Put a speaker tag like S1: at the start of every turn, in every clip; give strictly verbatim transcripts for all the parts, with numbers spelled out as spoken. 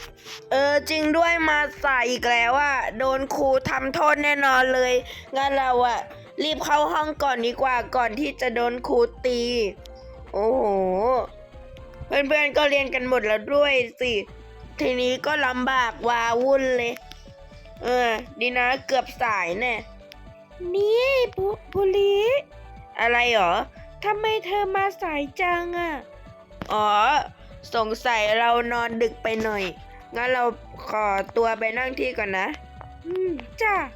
S1: เออจริงด้วยมาสายอีกแล้วอะโดนครูทำโทษแน่นอนเลยงั้นเราอะรีบเข้าห้องก่อนดีกว่าก่อนที่จะโดนครูตี โอ้โหเพื่อนๆก็เรียนกันหมดแล้วด้วยสิทีนี้ก็ลำบากวาวุ่นเลยเออดีนะเกือบสายแน่นี่บุบุลีอะไรหรอทำไมเธอมาสายจังอะอ๋อสงสัยเรานอนดึกไปหน่อยงั้นเราขอตัวไปนั่งที่ก่อนนะอืมจ้า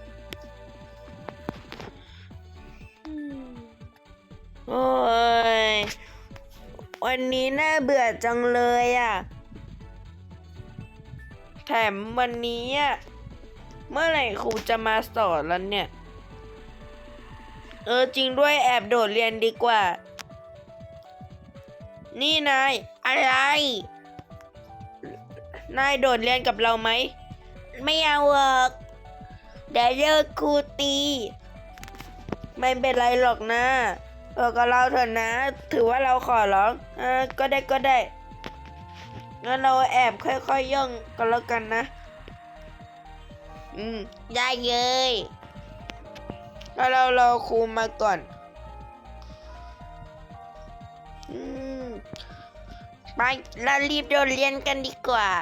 S1: โอ้ยวันนี้น่าเบื่อจังเลยอ่ะแถมวันนี้อ่ะเมื่อไหร่ครูจะมาสอนแล้วเนี่ยเออจริงด้วยแอบโดดเรียนดีกว่านี่นายอะไรนายโดดเรียนกับเราไหมไม่เอาหรอกเดี๋ยวเลิกครูตีไม่เป็นไรหรอกนะเออก็เราเถอะนะถือว่าเราขอร้องเออก็ได้ก็ได้งั้นเราแอบค่อยๆ ย, ย่องกันแล้วกันนะอืมได้เลยแล้วเรารอครูมาก่อนอืมไปเรารีบโดดเรียนกันดีกว่า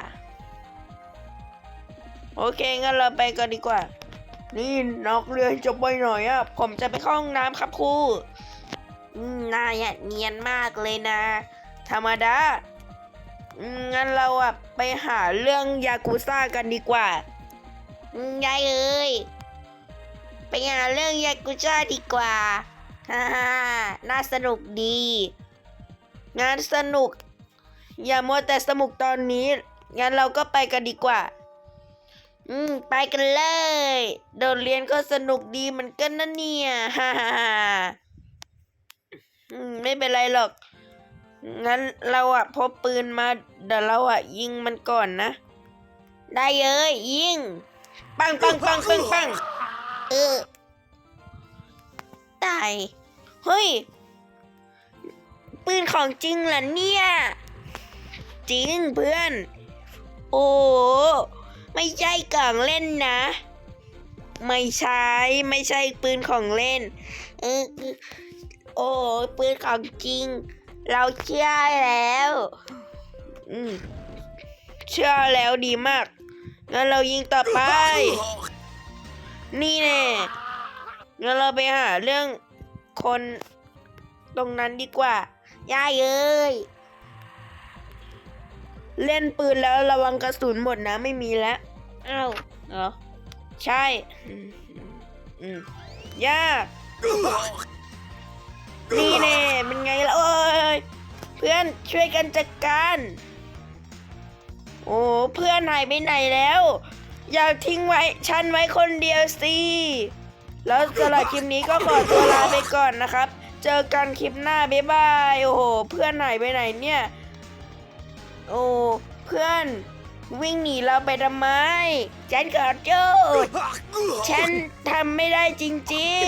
S1: โอเคงั้นเราไปกันดีกว่านี่นักเรียนจะไปหน่อยอ่ะผมจะไปเข้าห้องน้ำครับครูนายอ่ะเนียนมากเลยนะธรรมดางั้นเราอ่ะไปหาเรื่องยากุซ่ากันดีกว่ายายเอ้ยไปหาเรื่องยากุซ่าดีกว่าฮ่าฮ่าน่าสนุกดีงานสนุกอย่ามัวแต่สนุกตอนนี้งั้นเราก็ไปกันดีกว่าอืมไปกันเลยโดดเรียนก็สนุกดีเหมือนกันนะเนี่ยฮ่าฮ่าฮ่าอืมไม่เป็นไรหรอกงั้นเราอะพบปืนมาเดี๋ยวเราอะยิงมันก่อนนะได้เลยยิงปังปังปังปังปังเออตายเฮ้ยปืนของจริงเหรอเนี่ยจริงเพื่อนโอ้ไม่ใช่กล่องเล่นนะไม่ใช่ไม่ใช่ปืนของเล่นเออโอ้ปืนของจริงเราเชื่อแล้วอืมเชื่อแล้วดีมากงั้นเรายิงต่อไปนี่แน่งั้นเราไปหาเรื่องคนตรงนั้นดีกว่าย่าเอ้ยเล่นปืนแล้วระวังกระสุนหมดนะไม่มีแล้วอ้าวเหรอใช่อืมอืมยากนี่แน่เป็นไงล่ะโอ้ยเพื่อนช่วยกันจัดการโอ้เพื่อนหายไปไหนแล้วอย่าทิ้งไว้ฉันไว้คนเดียวสิแล้วสำหรับคลิปนี้ก็ขอตัวลาไปก่อนนะครับเจอกันคลิปหน้าบ๊ายบายโอ้โหเพื่อนหายไปไหนเนี่ยโอ้เพื่อนวิ่งหนีเราไปทำไมฉันขอโทษฉันทำไม่ได้จริงๆ